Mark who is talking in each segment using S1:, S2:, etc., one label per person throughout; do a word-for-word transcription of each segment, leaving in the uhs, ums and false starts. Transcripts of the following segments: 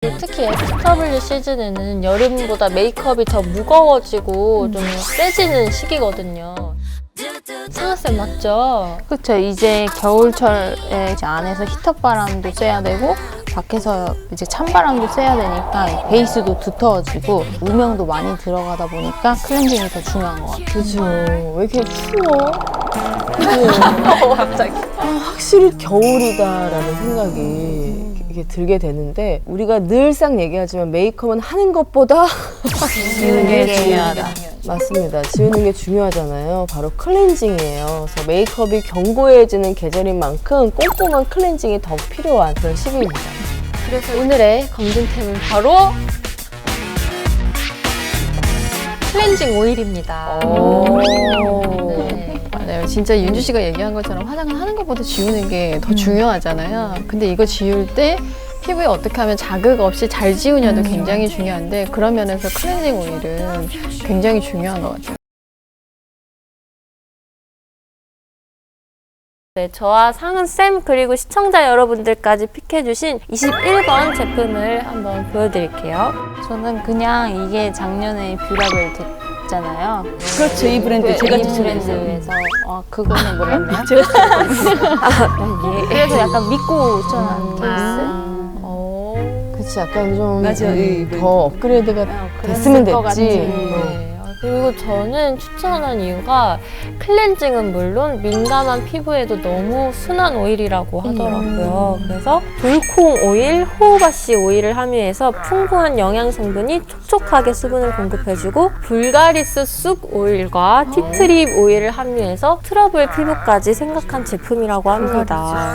S1: 이 특히 에스더블유 시즌에는 여름보다 메이크업이 더 무거워지고 음. 좀 세지는 시기거든요. 상아쌤 맞죠?
S2: 그렇죠. 이제 겨울철에 이제 안에서 히터바람도 쐬야 되고 밖에서 이제 찬바람도 쐬야 되니까 베이스도 두터워지고 음영도 많이 들어가다 보니까 클렌징이 더 중요한 것 같아요.
S3: 그죠. 왜 이렇게 추워? 어, 갑자기. 아, 확실히 겨울이다라는 생각이 이게 들게 되는데 우리가 늘상 얘기하지만 메이크업은 하는 것보다
S2: 지우는 게 중요하다.
S3: 맞습니다. 지우는 게 중요하잖아요. 바로 클렌징이에요. 그래서 메이크업이 견고해지는 계절인 만큼 꼼꼼한 클렌징이 더 필요한 그런 시기입니다.
S1: 그래서 오늘의 검증템은 바로 클렌징 오일입니다. 네.
S2: 맞아요. 진짜 윤주 씨가 얘기한 것처럼 화장을 하는 것보다 지우는 게 더 중요하잖아요. 근데 이거 지울 때 피부에 어떻게 하면 자극 없이 잘 지우냐도 굉장히 중요한데 그런 면에서 클렌징 오일은 굉장히 중요한 것 같아요.
S1: 네, 저와 상은쌤 그리고 시청자 여러분들까지 픽해주신 이십일 번 제품을 한번 보여드릴게요.
S2: 저는 그냥 이게 작년에 뷰라벨 됐잖아요.
S4: 그렇죠. 이 브랜드 제가
S2: 이
S4: 추천했어요.
S2: 브랜드에서 아 그거는 몰랐네요.
S4: 제가
S2: 아, 예. 그래서 약간 믿고 추천한 케이스.
S3: 그치, 약간 좀
S4: 맞아요. 이
S3: 음, 더 업그레이드가 됐으면 됐지.
S1: 네. 그리고 저는 추천한 이유가 클렌징은 물론 민감한 피부에도 너무 순한 오일이라고 하더라고요.
S3: 음.
S1: 그래서 돌콩 오일, 호우바씨 오일을 함유해서 풍부한 영양 성분이 촉촉하게 수분을 공급해주고 불가리스 쑥 오일과 티트립 오일을 함유해서 트러블 피부까지 생각한 제품이라고 합니다.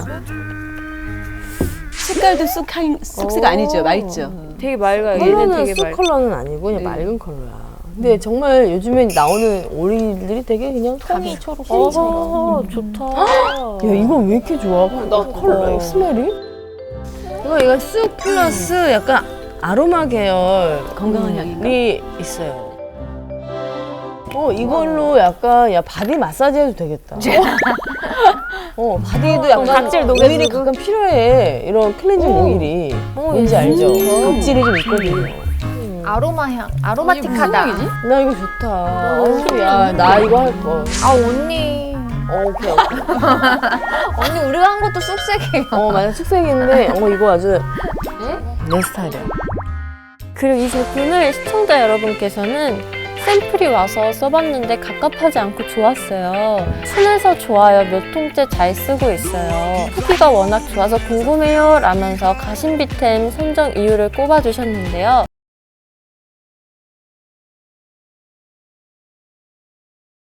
S4: 색깔도 쑥한 쑥색 아니죠. 맑죠.
S1: 되게 맑아요. 얘는
S3: 컬러는
S1: 되게
S3: 쑥
S1: 맑아요.
S3: 컬러는 아니고 그냥
S4: 네.
S3: 맑은 컬러야. 근데 정말 요즘에 나오는 오일들이 되게 그냥
S2: 톤이 초록.
S1: 어, 좋다.
S3: 야, 이거 왜 이렇게 좋아? 나 컬러, 스멜이? 이거, 이거 쑥 플러스 약간 아로마 계열
S4: 건강한 향인가?
S3: 이 있어요. 어, 이걸로 약간, 야, 바디 마사지 해도 되겠다. 어, 바디도 약간
S1: 각질
S3: 오일이 가끔 필요해. 이런 클렌징 오일이. 뭔지 알죠? 각질이 좀 있거든요.
S2: 아로마 향, 아로마틱하다.
S3: 나 이거 좋다. 어우, 야, 나 이거 할 거.
S2: 아 언니.
S3: 어, 오케이, 오케이.
S2: 언니 우리가 한 것도 쑥색이에요.
S3: 어, 맞아. 숙색인데, 어, 이거 아주 내 스타일이야.
S1: 그리고 이 제품을 시청자 여러분께서는 샘플이 와서 써봤는데 갑갑하지 않고 좋았어요. 순해서 좋아요. 몇 통째 잘 쓰고 있어요. 후기가 워낙 좋아서 궁금해요 라면서 가심비템 선정 이유를 꼽아주셨는데요.